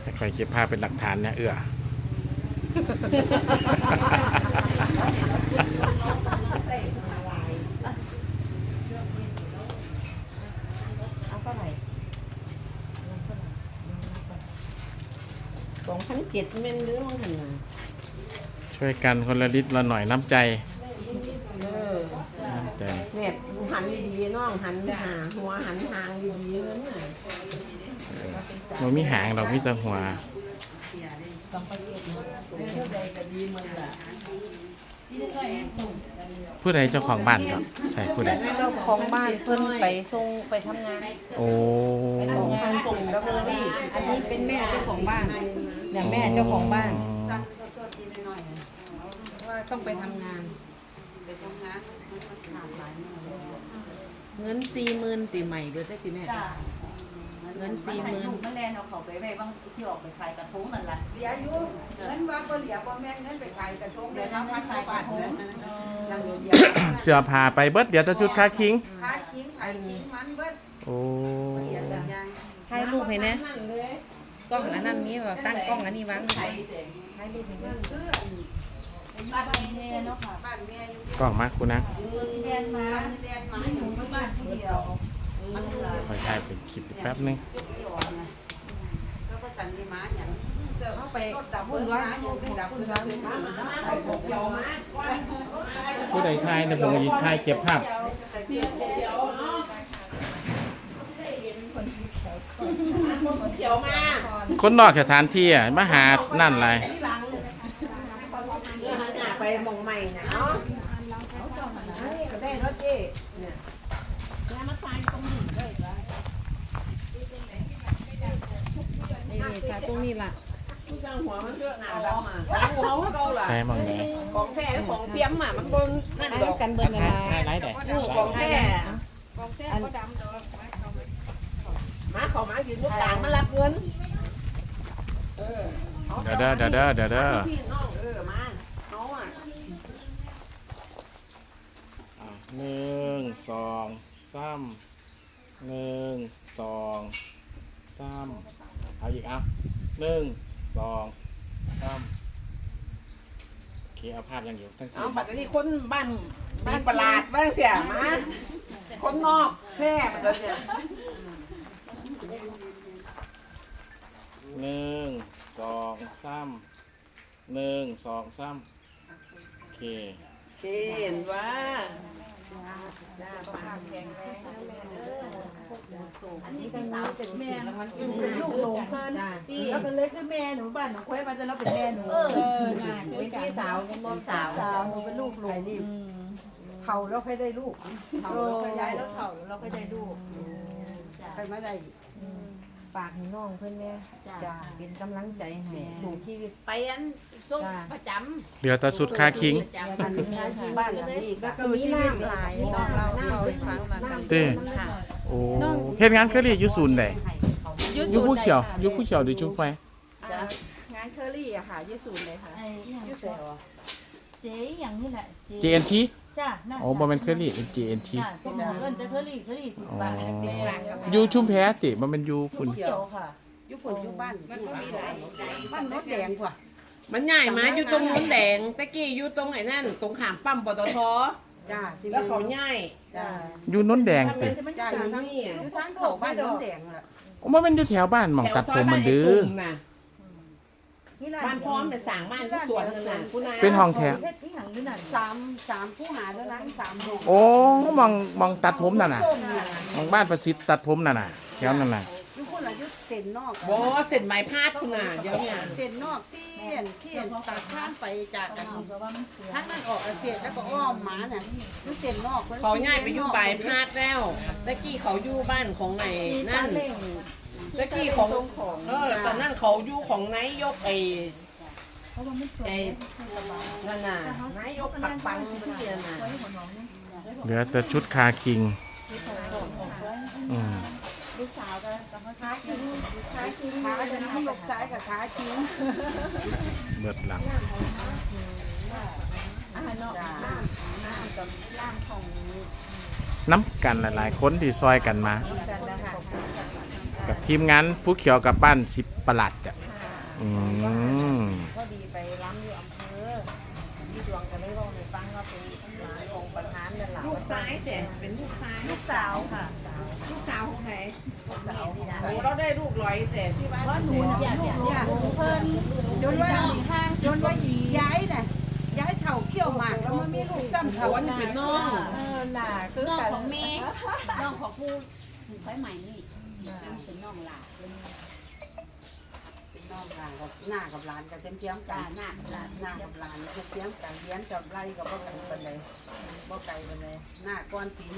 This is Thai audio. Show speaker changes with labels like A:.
A: คอยเก็บภาพเป็นหลักฐานเนี่ย
B: 2,700เม่นหรือว่าหั่นน่ะ
A: ช่วยกันคนละนิดละหน่อยน้ำใจ
B: เนี่ยหันดีๆน้องหันหาหัวหันหางดีๆเลยน่ะ
A: มันมีหางดอกมีแต่หัวผู้ใดเจ้าของบ้านก็ใส่ผู้ใด
B: เจ้าของบ้านเพิ่นไปส่งไปทำงาน
A: โอ้
B: ไปส่งงานส่งกับเบอรี่อันนี้เป็นแม่เจ้าของบ้านเนี่ยแม่เจ้าของบ้านว่าต้องไปทำงานเงิน40,000ตีใหม่เบิดได้ติแม่เงิน40,000
C: มันแลนเอาเขาไปไว้บางที่ออกไปขายกระทงนั่นล่ะเหลืออยู่เงินว่าบ่เหลือบ่แม่นเงินไปขายกระทงเลยนะพันกว่าบาทนั้นนั่งเดียว
A: เสื้อผ้าไปเบิดเดี๋ยวจะชุดค่าคิง
C: ค่าคิงไผคิงมันเบิด
A: โอ้
B: ถ่ายรูปให้แน่กล้องอันนั้นมีแบบตั้งกล้องอันนี้วางถ่ายรูปให้แน่
C: บ้านแม่เนาะค่ะบ้านแม่อยู่
A: กล้องมาคุณนะ
C: เรียนมาอยู่บ้านผู้เดียวมัน
A: คอยถ่ายเป็นคลิปแป๊บนึง
C: แล้วก็ตันที่ม้าอย่างเจอเข้าไปดับพุ่นว่าอยู่เป็นดับพุ่นว่าไปเกี่ยวม้า
A: ผู้ใดถ่ายในผมยิงถ่ายเก็บภาพ
C: เกี่ยวมา
A: คนนอกสถานที่อ่ะมาหานั่นอะไร
C: ไปมองใหม่นะเนาะก็ได้เนาะเจ๊เนี่ยแล้วมาตายตรงนี้เลยละ
B: นี่ค่ะตรงนี้ล่ะ
C: จังหัวมันเลือกหนาดำอ่ะหัวมันเก่าล่ะ
A: ใช่มั้งไง
C: ของแท้ของเทียมอ่ะมันบนนั่นดอก
B: กันเบิ่งกัน
A: ไรแต่
C: ของแท้อันมาเขามายืนลูกกลางมารับเงิน
A: เดี๋ยว
C: พี่น้องมาเขาอ่ะ
A: 1 2 3 1 2 3เอาอีกเอา1 2 3โอเคเอาภาพยังอยู่ทั้งสี่
C: เอาบัดนี้คนบ้านประหลาดบ้างเสียมาคนนอกแท้บัดนี้
A: 1 2 3โอเค
C: เห็นว่า
D: อันนี้ก็น้าเป็นแม่เป็นลูกหลงเพิ่นแล้วก็เล็กก็แม่หนูบ้านหนูค่อยมาจะเราเป็นแม่หนู
B: เป็นพี่สาวเป็นน้องสาว
D: หนูเป็นลูกหลงเขาเราค่อยได้ลูกเขาเราค่อยย้ายแล้วเขาเราค่อยได้ลูกค่อยมาได้
B: ฝากให้น้องเพิ่นแม่จ้าเป็นกำลังใจให้สู่ชีวิต
C: ไปอันส่งประจ
A: เหลือแต่สุดค่าคิง
D: บ้านนี้ก็
B: สู่ชีวิตหลายน้องเราให้ฟังมา
A: เต้โอ้เฮ็ดงานเคอรี่อยู่ศูนย์ใดอยู่ผู้เขียวหรือจุ๊บไฟ
B: งานเคอรี่อะค่ะยี่ศูนย์เลยค่ะ
D: เจ๊อย่างนี้แหละ
A: JNT
D: จ้า
A: โอ้บ่แม่นเคอรี่ JNT
D: เป็นหมอเอิ้นแต่เคอรี่ติดบ้าน
A: อยู่ชุมแพติบ่แม่นอยู่พุ่น
D: เขียวค่ะ
C: อยู่พุ่นอยู่บ้านมันก็มีหลายบ้านรถแดงกว่า
B: มันใหญ่มาอยู่ตรงนู้นแดงตะกี้อยู่ตรงไหนนั่นตรงขามปั๊มปตท.แล้วเขาใหญ่
A: อยู่นนแดงติ
C: จ้าอยู่นี่อยู่ทางเข้าบ้านนนแดงล่ะ
A: บ่แม่นอยู่แถวบ้านหม่องตัดผมมันดื้อ
B: บ้านพร้อมไปสั่งบ้านที่สวนนั่นน่ะ
A: เป็นห้องแถว
C: 3ผู้หาแล้วล้าง3ห้อง
A: โอ้มองตัดผมนั่นน่ะมองบ้านประสิทธิ์ตัดผมนั่นน่ะแถวนั่นน่ะ
C: อยู่คนละอยู่เส้นนอก
B: บ่เส้นไม้พาดพุ่นน่ะเดี๋ยวนี้
C: เส้นนอกเขี้ยนตัดข้ามไปจากอันทั้งนั้นออกเส้นแล้วก็อ้อมมาน่ะอยู่เส้นนอก
B: เขาย้ายไปอยู่ปลายพาดแล้วตะกี้เขาอยู่บ้านของไหนนั่นตะกี้ของตอนนั้นเขาอยู่ของนายกไอ้นั่นน่ะนายกปังที่นั่นน่ะ
A: เหลือแต่ชุดคาคิง
D: ลูกสาวกับขาคิงขาจะนั่งลูกซ้ายกับขาคิง
A: เบิดหลังน้ำกันหลายๆคนที่ซอยกันมากับทีมงานผู้เขียวกับบ้าน10ประหลัดอืม
E: ก็ดีไปล้ำอยู่อำเภอที่ดวงจะได้บอกในฟังว่าเป็นหลานของประธานนั่นแหละ
B: ลูกซ้ายแต่เป็นลูกซ้าย
E: ลูกสาวค่ะ
B: ลูกสาวของใคร
E: ลูกสาว
B: โอ้เราได้ลูกร้อยแต่ที่บ้าน
D: เพราะหนูเนี่ยลูกเพิ่นจนว่าจนว่าย้ายน่ะย้ายเท่าเขี้ยวหมากแล้วมันมีลูกซ้ำ
B: โอ้
D: เท่า
B: อันนี้เป็นน้อง
E: น่ะคือ
C: น้อง
E: กัน
C: ของแม่น้องของผู้ไฟใหม่นี่เป็นน้องหลาน
D: เป็นน้องหลานกับหน้ากับหลานกับเทียมๆกั
C: จ้าน หน้าหลาน
D: หน้ากับหลานเทียมๆกันเลี้ยงกับไรกับบ่ไกลปานใดบ่ไกลปานใดหน้าก้อนปี